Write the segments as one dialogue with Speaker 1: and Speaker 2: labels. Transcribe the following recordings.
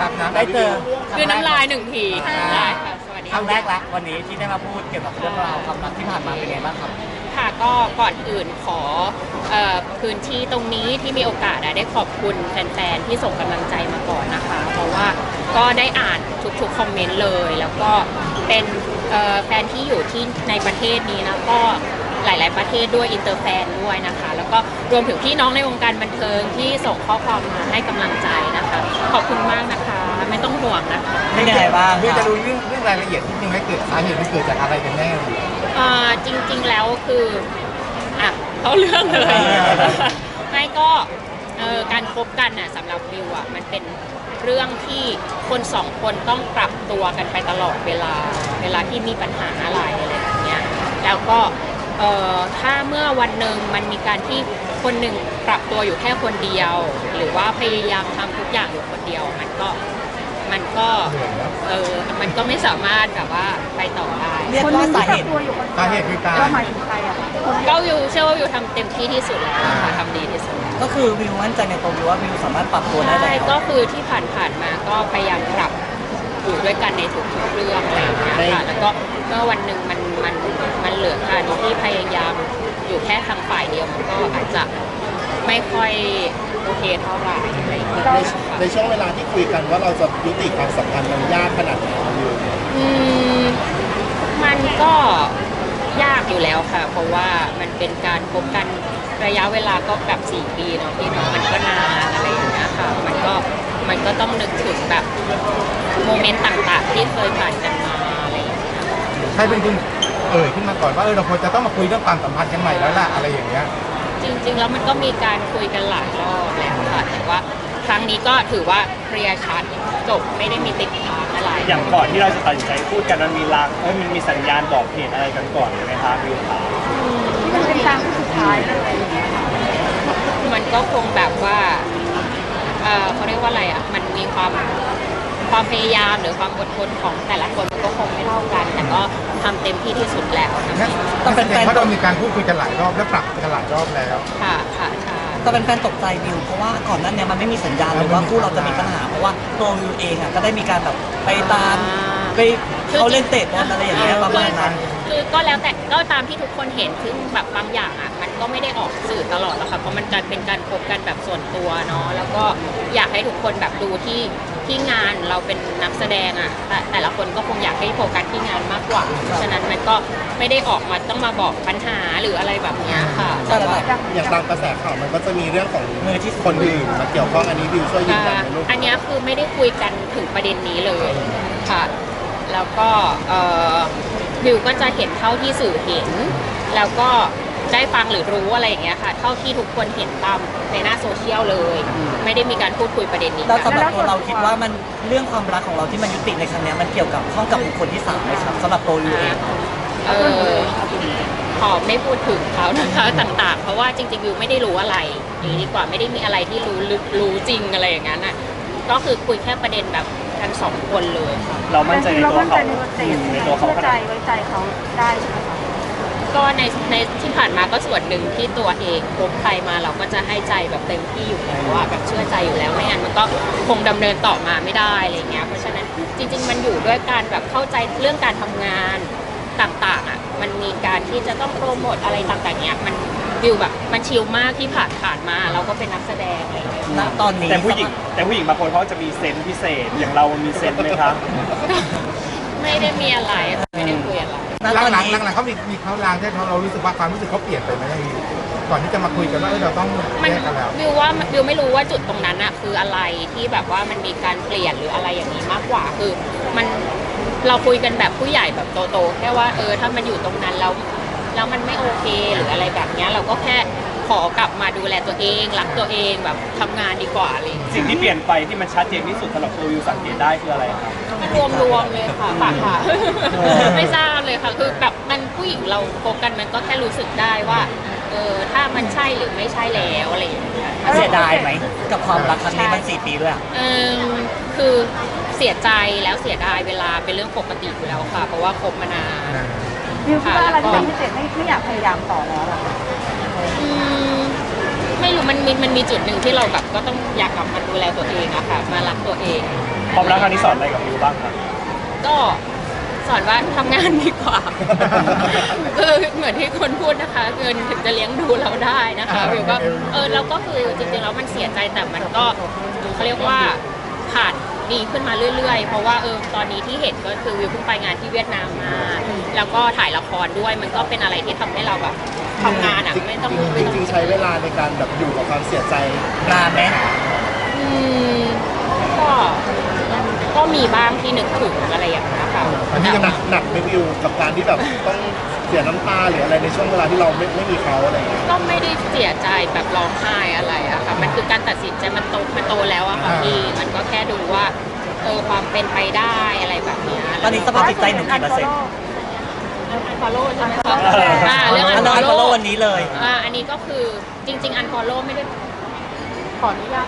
Speaker 1: ครับนะ
Speaker 2: ได้เจอ
Speaker 3: คือน้ำลายหนึ่งทีได้ค่ะสวัสดี
Speaker 2: ครั้งแรกละวันนี้ที่ได้มาพูดเกี่ยวกับเรื่องราวความรักที่ผ่านมาเป็นไงบ้างครับ
Speaker 3: ค่ะก็ก่อนอื่นขอพื้นที่ตรงนี้ที่มีโอกาสได้ขอบคุณแฟนๆที่ส่งกำลังใจมาก่อนนะคะเพราะว่าก็ได้อ่านทุกๆคอมเมนต์เลยแล้วก็เป็นแฟนที่อยู่ที่ในประเทศนี้นะก็หลายๆประเทศด้วยอินเตอร์แฟนด้วยนะคะแล้วก็รวมถึงพี่น้องในวงการบันเทิงที่ส่งข้อความมาให้กำลังใจนะคะขอบคุณมากนะคะไม่ต้องห่วงนะคะ
Speaker 2: เป็นยังไงบ้าง
Speaker 1: เพื่อจะรู้เรื่องรายละเอียดที่จริงให้เกิดสาเหตุมันเกิดจากอะไรกันแน่
Speaker 3: จริงๆแล้วคือเข้าเรื่องเลย ไม่ก็การคบกันน่ะสำหรับวิวอ่ะมันเป็นเรื่องที่คนสองคนต้องปรับตัวกันไปตลอดเวลาที่มีปัญหาอะไรแบบเนี้ยแล้วก็ถ้าเมื่อวันหนึ่งมันมีการที่คนหนึ่งปรับตัวอยู่แค่คนเดียว หรือว่าพยายามทำทุกอย่างอยู่คนเดียวมันก็มันก็ไม่สามารถแบบว่าไปต่อได้
Speaker 2: เรียกว่าสาเหตุ
Speaker 1: สาเหตุคือการ
Speaker 4: ก็หมายถึงใครอะ
Speaker 3: ก็วิวเชื่อว่าวิวทำเต็มที่ที่สุดแล้วค่ะทำดีที่สุดแล้ว
Speaker 2: ก็คือวิวมั่นใจในตัววิวว่าวิวสามารถปรับตัวได้
Speaker 3: ใช่
Speaker 2: แล้ว
Speaker 3: ก็คือที่ผ่านมาก็พยายามปรับอยู่ด้วยกันในทุกๆเรื่องอะไรอย่างเงี้ยค่ะแล้วก็เมื่อวันหนึ่งมันเหลือการที่พยายามอยู่แค่ทางฝ่ายเดียวมันก็อาจจะไม่ค่อยโอเคเท่าไหร่อะไรอย่างเงี้ย
Speaker 1: ในช่วงเวลาที่คุยกันว่าเราจะยุติความสัมพันธ์มันยากขนาดไหนอยู่
Speaker 3: มันก็ยากอยู่แล้วค่ะ เพราะว่ามันเป็นการพบกันระยะเวลาก็แบบ4 ปีเนาะพี่เนาะมันก็นานอะไรอย่างเงี้ยค่ะมันก็ต้องนึกถึงแบบโมเมนต์ต่างๆที่เคยผ่านกันมาอะไรอย่างเงี้ย
Speaker 1: ใครเป็นคนขึ้นมาก่อนว่าเราควรจะต้องมาคุยเรื่องความสัมพันธ์กันใหม่แล้วล่ะอะไรอย่างเงี้ย
Speaker 3: จริงๆแล้วมันก็มีการคุยกันหลายรอบแล้วค่ะแต่ว่าครั้งนี้ก็ถือว่าเคลียร์ชัดจบไม่ได้มีติดค้างอะไร
Speaker 5: อย่างก่อนที่เราจะตัดสินใจพูดกันมันมีลางมันมีสัญญาณบอกเหตุอะไรกันก่อนไหมคะวิวขา
Speaker 4: ที่มันเป็นทางที่สุดท้ายอะไรอย่างเงี้ยค่ะ
Speaker 3: มันก็คงแบบว่าเขาเรียกว่าอะไรอ่ะมันมีความพยายามหรือความอดทนของแต่ละคนมันก็คงไม่เท่ากัน แต่ก็ทำเต็มที่ที่สุดแล้วนะคะ
Speaker 1: ต้องเป็นเพราะเรามีการพูดคุยกันหลายรอบและปรับกันหลายรอบแล้ว
Speaker 3: ค่ะค่ะใช่
Speaker 2: แต่เป็นแฟนตกใจวิวเพราะว่าก่อนหนั้นเนี่ยมันไม่มีสัญญาณเลยว่าคู่เราจะมีปัญหาเพราะว่าตัววิวเองอ่ะก็ได้มีการแบบไปตามไปเขาเล่นเตะบอลอะไรอย่างเงี้ยประมาณนั้น
Speaker 3: คือก็แล้วแต่ก็ตามที่ทุกคนเห็นซึ่งแบบบางอย่างอ่ะมันก็ไม่ได้ออกสื่อตลอดหรอกค่ะเพราะมันการเป็นการพบกันแบบส่วนตัวเนาะแล้วก็อยากให้ทุกคนแบบดูที่งานเราเป็นนักแสดงอ่ะแต่ละคนก็คงอยากให้โฟกัสที่งานมากกว่าเพราะฉะนั้นมันก็ไม่ได้ออกมาต้องมาบอกปัญหาหรืออะไรแบบเนี้ยค่ะแต่ว่า
Speaker 1: อย่างตามกระแสข่าวมันก็จะมีเรื่องของมือที่คนอื่นมาเกี่ยวข้องอันนี้วิวช่วยยืนยันไหมลูก
Speaker 3: อันเนี้ยคือไม่ได้คุยกันถึงประเด็นนี้เลยค่ะแล้วก็วิวก็จะเห็นเท่าที่สื่อเห็นแล้วก็ได้ฟังหรือรู้อะไรอย่างเงี้ยค่ะเท่าที่ทุกคนเห็นตามในหน้าโซเชียลเลย ไม่ได้มีการพูดคุยประเด็นนี้
Speaker 2: แล้ว
Speaker 3: กัน
Speaker 2: สำหรับตัวเราคิดว่ามันเรื่องความรักของเราที่มันยุติในครั้งเนี้ยมันเกี่ยวกับข้องกับบุคคลที่3ไหมครับสำหรับตัววิวเอง
Speaker 3: ขอไม่พูดถึงเขานะคะต่างๆ เพราะว่าจริงๆวิวไม่ได้รู้อะไรอย่างนี้ดีกว่าไม่ได้มีอะไรที่รู้ลึกรู้จริงอะไรอย่างนั้นอ่ะก็คือคุยแค่ประเด็นแบบกัน2 คนเลยค่ะ
Speaker 5: เรามั่นใจในตัวเขา
Speaker 4: ใน
Speaker 5: ตัวเขา
Speaker 4: เชื่อ
Speaker 5: ข
Speaker 4: ใจ
Speaker 5: นาด
Speaker 4: ไว้ใจเขาได้ใช่ไหมคะ
Speaker 3: ก็ในที่ผ่านมาก็ส่วนหนึ่งที่ตัวเองคบใครมาเราก็จะให้ใจแบบเต็มที่อยู่แล้วว่าแบบเชื่อใจอยู่แล้วไม่งั้นมันก็คงดำเนินต่อมาไม่ได้อะไรเงี้ยเพราะฉะนั้นจริงๆมันอยู่ด้วยการแบบเข้าใจเรื่องการทำงานต่างๆอ่ะมันมีการที่จะต้องโปรโมทอะไรต่างๆเนี้ยมันวิวแบบมันชิลมากที่ผ่านมาเราก็เป็นนักแสดงอะไรเงี้ย
Speaker 2: ณตอนนี้
Speaker 5: แต่ผู้หญิงบางคนเขาจะมีเซนส์พิเศษอย่างเรามีเซนส์ไหมครับ
Speaker 3: ไม่ได้มีอะไรค่ะไม่ได้คุยอะไร
Speaker 2: ณตอน
Speaker 1: หลัง
Speaker 2: นี้
Speaker 1: ๆเขามีเขาลางที่เรารู้สึกว่าความรู้สึกเขาเปลี่ยนไปไหมก่อนที่จะมาคุยกันว่าเราต้อง
Speaker 3: มัน
Speaker 1: แยกกันแล้ว
Speaker 3: วิวว่าวิวไม่รู้ว่าจุดตรงนั้นอะคืออะไรที่แบบว่ามันมีการเปลี่ยนหรืออะไรอย่างนี้มากกว่าคือมันเราคุยกันแบบผู้ใหญ่แบบโตๆแค่ว่าถ้ามันอยู่ตรงนั้นแล้วมันไม่โอเคหรืออะไรแบบเนี้ยเราก็แค่ขอกลับมาดูแลตัวเองรักตัวเองแบบทำงานดีกว่าอะไรอย่างเลย
Speaker 5: สิ่งที่เปลี่ยนไปที่มันชัดเจนที่สุดสำหรับตัววิวสังเกตได้คืออะไรครับ
Speaker 3: รวมเลยค่ะปากค่ะ ไม่ทราบเลยค่ะคือแบบมันผู้หญิงเราโฟกันมันก็แค่รู้สึกได้ว่าถ้ามันใช่หรือไม่ใช่แล้วอะไรอย่างเงี้ย
Speaker 2: เสียดายไหมกับความรักครั้งนี้มัน4 ปีด้วยอะ
Speaker 3: คือเสียใจแล้วเสียดายเวลาเป็นเรื่องปกติอยู่แล้วค่ะเพราะว่าคบมานาน
Speaker 4: วิวคิดว่าอะไรที่ทำให้เจนไม่อยากพยายามต่อแล้วอะ
Speaker 3: อืมไม่รู้มันมีจุดหนึ่งที่เราแบบก็ต้องอยากกลับมาดูแลตัวเองอะค่ะมารักตัวเอง
Speaker 5: ความรักครั้งนี้สอนอะไรกับวิวบ้างครับ
Speaker 3: ก็สอนว่าทำงานดีกว่า คือเหมือนที่คนพูดนะคะเงินถึงจะเลี้ยงดูเราได้นะคะวิวก็เราก็คือจริงๆแล้วมันเสียใจแต่มันก็เขาเรียกว่าผ่านดีขึ้นมาเรื่อยๆ เพราะว่าตอนนี้ที่เห็นก็คือวิวเพิ่งไปงานที่เวียดนามมาแล้วก็ถ่ายละครด้วยมันก็เป็นอะไรที่ทำให้เราแบบทำงานอ่ะไม่ต้อง
Speaker 6: จริงๆใช้เวลาในการแบบอยู่กับความเสียใจ
Speaker 2: นานไหม
Speaker 3: อืมก็มีบ้างที่นึกถึงอะไรอย่างเงี้ยค่ะ
Speaker 6: อันนี้ยังหนักไม่วิวกับการที่แบบต้องเสียน้ำตาหรืออะไรในช่วงเวลาที่เราไม่มีเขาอะไรอย่างเงี้ย
Speaker 3: ก็ไม่ได้เสียใจแบบร้องไห้อะไรอะค่ะมันคือการตัดสินใจมันโตแล้วอะค่ะพี่มันก็แค่ดูว่าความเป็นไปได้อะไรแบบเนี้ย
Speaker 2: ตอนนี้สภาพจิตใจหนูกี่เปอร์เซ็นต์
Speaker 3: อันฟอลโล่ใช่ไหมคะเรื่อง
Speaker 2: อั
Speaker 3: อั
Speaker 2: น
Speaker 3: น
Speaker 2: นั้น
Speaker 3: ฟอล
Speaker 2: ฟอลโล่
Speaker 3: โล่
Speaker 2: วันนี้เลย
Speaker 3: อันนี้ก็คือจริงๆอันฟอลโล่ไม่ได้ขออนุญาต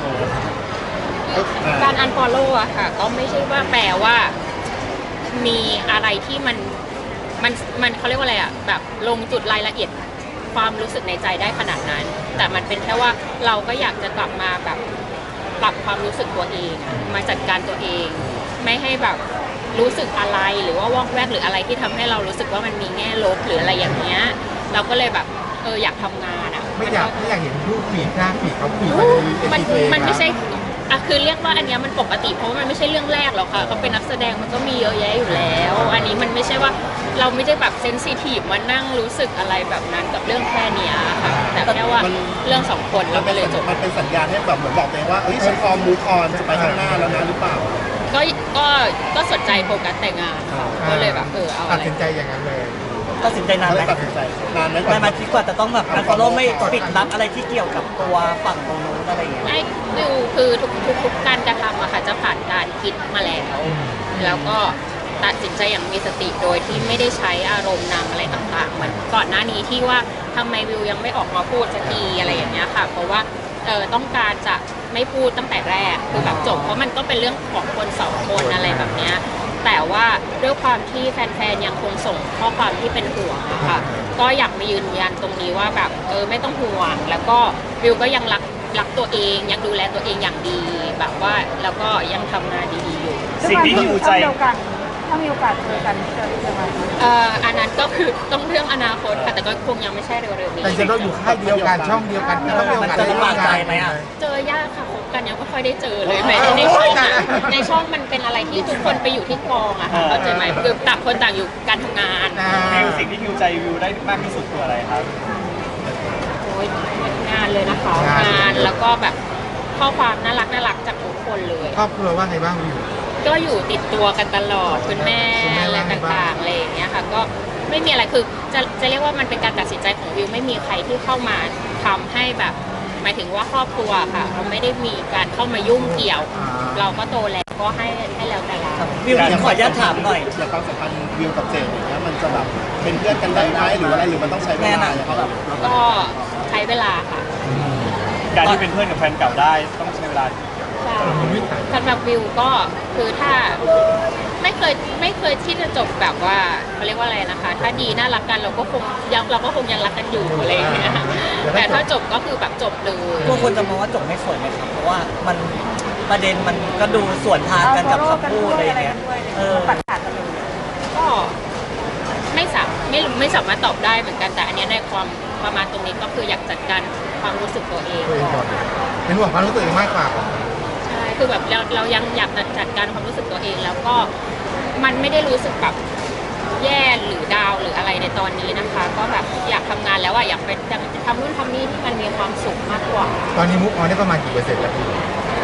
Speaker 3: การอันฟอลโล่อะค่ะก็ไม่ใช่ว่าแปลว่ามีอะไรที่มันเขาเรียกว่าอะไรอะแบบลงจุดรายละเอียดความรู้สึกในใจได้ขนาดนั้น แต่มันเป็นแค่ว่าเราก็อยากจะกลับมาแบบปรับความรู้สึกตัวเองอะมาจัดการตัวเอง ไม่ให้แบบรู้สึกอะไรหรือว่าวอกแวกหรืออะไรที่ทำให้เรารู้สึกว่ามันมีแง่ลบหรืออะไรอย่างเงี้ยเราก็เลยแบบอยากทำงานอะ
Speaker 1: ไม่อยากเห็นรูปฝีหน้าฝีเขาฝี
Speaker 3: มันไม่ใช่คือเรียกว่าอันเนี้ยมันปกติเพราะว่ามันไม่ใช่เรื่องแรกหรอกค่ะเขาเป็นนักแสดงมันก็มีเยอะแยะอยู่แล้ว อันนี้มันไม่ใช่ว่าเราไม่ได้แบบเซนซิทีฟมานั่งรู้สึกอะไรแบบนั้นกับเรื่องแค่เนี้ยค่ะแต่แค่ว่าเรื่องสองคนเราก็เลยจบ
Speaker 6: มันเป็นสัญญาณให้แบบเหมือนบอกตัวเองว่าเอ้ยฉันพร้อมมูฟออนจะไปข้างหน้าแล้วนะหรือเปล่า
Speaker 3: ก็สนใจโฟกัสแต่งานค่ะก็เลยแบบเอา
Speaker 1: ตั
Speaker 3: อะ
Speaker 1: ด
Speaker 3: ไร
Speaker 1: สินใจอย่างนั้นเลย
Speaker 2: ตัดสินใจนานไหม
Speaker 6: ตัดสินใจนานไหม
Speaker 2: นานมาคิดกว่าจะต้องแบบอันฟอลโล่ไม่ปิดรับอะไรที่เกี่ยวกับตัวฝั่งตรงนู้นอะไรอย่างเงี้ย
Speaker 3: ไม่ดูคือทุกการกระทำอะค่ะจะผ่านการคิดมาแล้วแล้วก็ตัดสินใจอย่างมีสติโดยที่ไม่ได้ใช้อารมณ์นำอะไรต่างๆเหมือนก่อนหน้านี้ที่ว่าทำไมวิวยังไม่ออกมาพูดสักทีอะไรอย่างเงี้ยค่ะเพราะว่าต้องการจะไม่พูดตั้งแต่แรกคือแบบจบเพราะมันก็เป็นเรื่องของคนสองคนอะไรแบบเนี้ยแต่ว่าด้วยความที่แฟนๆยังคงส่งข้อความที่เป็นห่วงอะค่ะก็อยากมายืนยันตรงนี้ว่าแบบไม่ต้องห่วงแล้วก็วิวก็ยังรักตัวเองยังดูแลตัวเองอย่างดีแบบว่าแล้วก็ยังทำงานดีๆอยู่
Speaker 5: สิ่งที่ฮิวใจ
Speaker 4: ถ้ามีโอกาสเจอกันจะมา
Speaker 3: อันนั้นก็คือต้องเรื่องอนาคตค่ะแต่ก็คงยังไม่ใช่เร็วๆนี้
Speaker 1: แต่จะต้องอยู่ค่ายเดียวกันช่องเดียวกันก็มีโอกาสได้ร่วมงานไหม
Speaker 3: เจอยากค่ะคบกันยังไม่ค่อยได้เจอเลยแม้ในช่องอะในช่องมันเป็นอะไรที่ทุกคนไปอยู่ที่กองอะค่ะเข้าใจไหมคือต่างคนต่างอยู่การทำงาน
Speaker 5: วิวสิ่งที่ฮิวใจวิวได้มากที่สุดคืออะไรครับ
Speaker 3: โอ้ยงานเลยนะคะงานแล้วก็แบบข้อความน่ารักจากทุกคนเลย
Speaker 1: ครอบครัวว่าไงบ้างวิว
Speaker 3: ก็อยู่ติดตัวกันตลอดคุณแม่อะไรต่างๆอะไรอย่างเงี้ยค่ะก็ไม่มีอะไรคือจะเรียกว่ามันเป็นการตัดสินใจของวิวไม่มีใครที่เข้ามาทำให้แบบหมายถึงว่าครอบครัวค่ะเราไม่ได้มีการเข้ามายุ่งเกี่ยว เราก็โตแล้วก็ให้แล้วแต่เรา
Speaker 2: วิวขออนุญาตถามหน่อย
Speaker 6: อย่างความสัมพันธ์วิวกับเจนอย่างเงี้ยมันจะแบบเป็นเพื่อนกันได้ไหมหรืออะไรหรือมันต้องใช้เวลาอย่างเงี้ยครับ
Speaker 3: ก็ใช้เวลาค่ะ
Speaker 5: การที่เป็นเพื่อนกับแฟนเก่าได้ต้องใช้เวลา
Speaker 3: ใช่สำหรับวิวก็คือถ้าไม่เคยที่จะจบแบบว่าเขาเรียกว่าอะไรนะคะ ถ้าดีน่ารักกันเราก็คงยังรักกันอยู่อะไรอย่างเงี้ยแต่ถ้าจบก็คือแบบจบเลย
Speaker 2: พวกคนจะมองว่าจบไม่สวยไหมครับเพราะว่ามันประเด็นมันก็ดูส่วนทางกันกับคำพูดอะไรอย่างเงี้ย
Speaker 4: ตัดขาดกันเลย
Speaker 3: ก็ไม่สามารถตอบได้เหมือนกันแต่อันเนี้ยในความประมาณตรงนี้ก็คืออยากจัดการความรู้สึกตัวเอง
Speaker 1: ตัวเองก่อนเป็นห่วงความรู้สึกตัวเองมากกว่า
Speaker 3: ใช่คือแบบเรายังอยากจัดการความรู้สึกตัวเองแล้วก็มันไม่ได้รู้สึกแบบแย่หรือดาวหรืออะไรในตอนนี้นะคะ ก็แบบอยากทำงานแล้วอะอยากไปทำนู่นทำนี่ที่มันมีความสุขมากกว่า
Speaker 1: ตอนนี้มุกออนได้ประมาณกี่เปอร์เซ็นต์แล้วพี่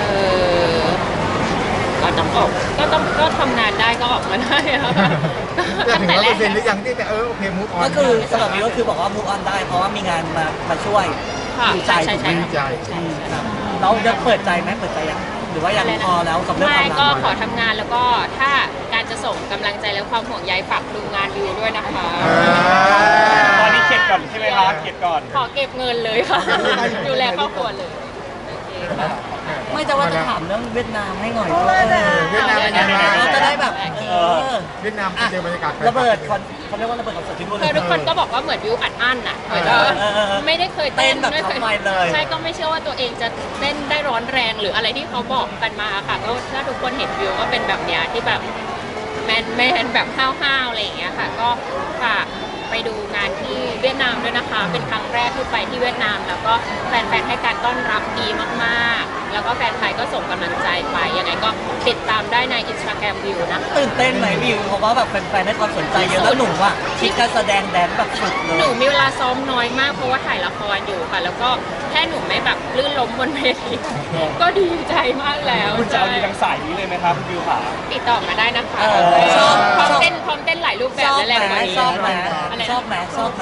Speaker 3: ก็ทำงานได้ก็ออกมาได้อะค่ะ
Speaker 1: จะ
Speaker 3: ตั้ง
Speaker 1: ถึง
Speaker 3: แต่
Speaker 1: ร้อย
Speaker 3: แร
Speaker 1: เปอก ร์เซ็นต์หรือยังที่แต่โอเคมุกออน
Speaker 2: ก็คือสำหรับวิวก็คือบอกว่า move on ได้เพราะว่ามีงานมาช่วย
Speaker 3: ค่ะ
Speaker 2: ดีใจ
Speaker 3: ใช่
Speaker 2: ถูกไหม
Speaker 1: ดีใจ
Speaker 2: เราจะเปิดใจไหมเปิดใจยังหรือว่ายังพอแล้วกับเรื่องค
Speaker 3: ไม่
Speaker 2: วาม
Speaker 3: ก็
Speaker 2: รัก
Speaker 3: ขอทำงานแล้วก็ถ้าการจะส่งกำลังใจและความห่วงใยฝากดูงานวิวด้วยนะคะ
Speaker 5: ตอนนี้เข็ดก่อนใช่ไหมคะเข็ดก่อน
Speaker 3: ขอเก็บเงินเลยค่ะ ดูแลครอบครัวเลยโอเคค่ะ
Speaker 2: ไม่จะว่าจะถามเรื่องเวียดนามให้หน่อยด้วย
Speaker 1: เวียดนามเป็นยังไงบ้าง
Speaker 2: เราจะได้แบบ
Speaker 1: เวียดนามเจอบรรยากาศ
Speaker 2: ระเบิดเขาเรียกว่าระเบิดความสดที่นู่น
Speaker 3: คือทุกคนก็บอกว่าเหมือนวิวอัดอั้นอ่ะเหมือนไม่ได้เคยเต้น
Speaker 2: เต้นแบบ
Speaker 3: ไม่เคย
Speaker 2: ทำไมเลย
Speaker 3: ใช่ก็ไม่เชื่อว่าตัวเองจะเต้นได้ร้อนแรงหรืออะไรที่เขาบอกกันมาค่ะก็ถ้าทุกคนเห็นวิวก็เป็นแบบเนี้ยที่แบบแมนแบบห้าวๆอะไรอย่างเงี้ยค่ะก็ฝากไปดูงานที่เวียดนามด้วยนะคะ เป็นครั้งแรกที่ไปที่เวียดนาม แล้วก็แฟนๆให้การต้อนรับดีมากๆ แล้วก็แฟนไทยก็ส่งกำลังใจไปยังไงก็ติดตามได้ใน Instagram วิวนะคะ
Speaker 2: ตื่นเต้นไหมวิวเพราะว่าแบบแฟนๆให้ความสนใจเยอะแล้วหนูอ่ะคิดการแสดงแดนแบบสุดเล
Speaker 3: หนู
Speaker 2: ย
Speaker 3: มีเวลาซ้อมน้อยมากเพราะว่าถ่ายละครอยู่ค่ะ แล้วก็แค่หนูไม่แบบลื่นล้มบนเวทีก็ดีใจมากแล้ว
Speaker 5: คุณจะเอาดีทางสายนี้เลยไหมครับวิวขา
Speaker 3: ติดต่อมาได้นะคะ
Speaker 2: ชอบ
Speaker 3: พร้อมเต้นหลายรูปแบ
Speaker 2: ช
Speaker 3: บ
Speaker 2: อบ
Speaker 3: และ
Speaker 2: ไหม
Speaker 3: แรงกว่านี้
Speaker 2: ชอบไหม
Speaker 3: อะไร
Speaker 2: ชอบ
Speaker 3: นะ
Speaker 2: ไหมชอบไหม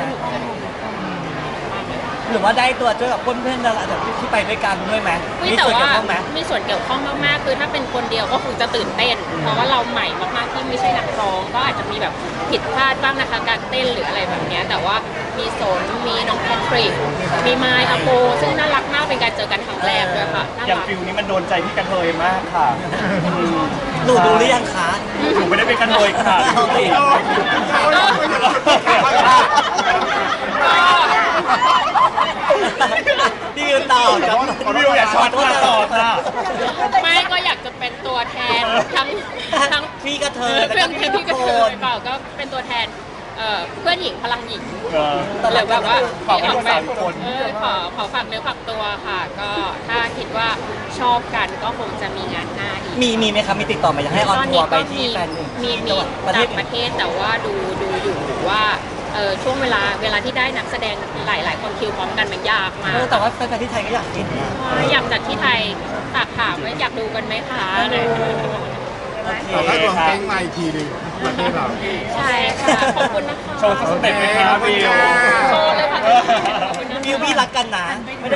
Speaker 2: หรือว่าได้ตัวช่วยกับเพื่อนๆดาราที่ไปด้วยกันด้วยไหม
Speaker 3: อุ๊ย
Speaker 2: มี
Speaker 3: แต่
Speaker 2: ส่วน
Speaker 3: ว่า
Speaker 2: เกี่ยวข้องไหม
Speaker 3: มีส่วนเกี่ยวข้องมากๆ คือถ้าเป็นคนเดียวก็คงจะตื่นเต้น เพราะว่าเราใหม่มากๆที่ไม่ใช่นักร้องก็อาจจะมีแบบผิดพลาดบ้างนะคะการเต้นหรืออะไรแบบเนี้ยแต่ว่ามีสนมีน้องแพทริกมีไมค์อโปซึ่งน่ารักมากเป็นการเจอกันครั้งแรกด้วยค่ะน่า
Speaker 5: อย่าง
Speaker 3: รัก
Speaker 5: ฟิลนี้มันโดนใจพี่กันเทยมากค่ะ
Speaker 2: หนูดูหรือยังคะ
Speaker 5: หนูไม่ได้เป็นกันเทยค่ะ
Speaker 2: เอาสิ พี่วิวต่อครับ
Speaker 5: วิวอย่าช็อตมาต่อค่ะ
Speaker 3: ไม่ก็อยากจะเป็นตัวแทนทั้ง
Speaker 2: พี่กระเทย
Speaker 3: เพื่อน
Speaker 2: แล้ว
Speaker 3: พี่กระเท
Speaker 2: ทุ
Speaker 3: ยเปล่าก็เป็นตัวแทนเพื่อนหญิงพลังหญิง
Speaker 5: เออ
Speaker 3: หรือแบบว่า
Speaker 5: ฝากไว้ด้วย
Speaker 3: ที่ออก
Speaker 5: 3คน
Speaker 3: ขอฝากเนื้อฝากตัวค่ะ ก็ถ้าคิดว่าชอบกันก็คงจะมีงานหน้าอีก
Speaker 2: มีไหมครับมีติดต่อมาอยากให้ออนทัวร์ไปที่แฟน
Speaker 3: มี
Speaker 2: จังหวัดประเท
Speaker 3: ต่า
Speaker 2: ศ
Speaker 3: งประเทศแต่ว่าดูอยู่ว่าช่วงเวลาที่ได้นักแสดงหลายคนคิวพร้อมกันมันยากมาก
Speaker 2: แต่ว่าแฟนๆที่ไทยก็อยากกินนะ
Speaker 3: อยากจัดที่ไทยฝากถามว่าอยากดูกันไหมคะอะไร
Speaker 2: โอเค
Speaker 1: ต่อให้ตัวเพลงมาอีกทีหนึงประเทศเรา
Speaker 3: ใช่ค่ะ ขอบคุณนะคะ
Speaker 5: โชว์สเต็ปไหมครับวิว
Speaker 3: โชว์เลยค่ะขอบคุณนะคะ
Speaker 2: วิวพี่รักกันนะ